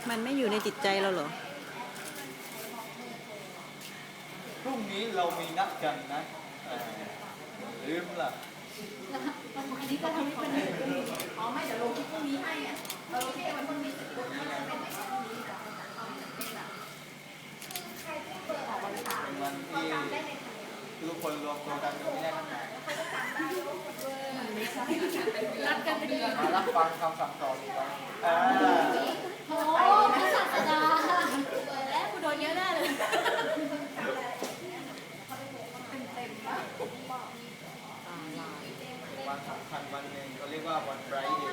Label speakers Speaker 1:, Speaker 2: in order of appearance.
Speaker 1: มันไม่อยู่ในจิตใจเราเหรอ
Speaker 2: พรุ่งนี้เรามีนัดกันนะลืมล่ะ
Speaker 3: อันนี้ก็ทำให้เป็นอ๋อไม่เดี๋ยวลงที่พรุ่งนี้ให้อ่ะเราลงที่วันพรุ่งนี้เสร็จปุ๊บมันจะเป็นพรุ่งนี้แบบเป็นแบบออกวันเสาร์
Speaker 2: เป็นวันที่ทุกคนรวมตัวกันโดยไม่ได้นัดหมาย
Speaker 3: รัดกันเป็นเดือน
Speaker 2: มารับฟังคำสั่งสอนกัน
Speaker 3: โอ้พระศาสดาแล้วกูโดนเยอะแน่เลยเต็มๆนะ
Speaker 2: วันสำคัญวันหนึ่งเขาเรียกว่าวันไบรท์เด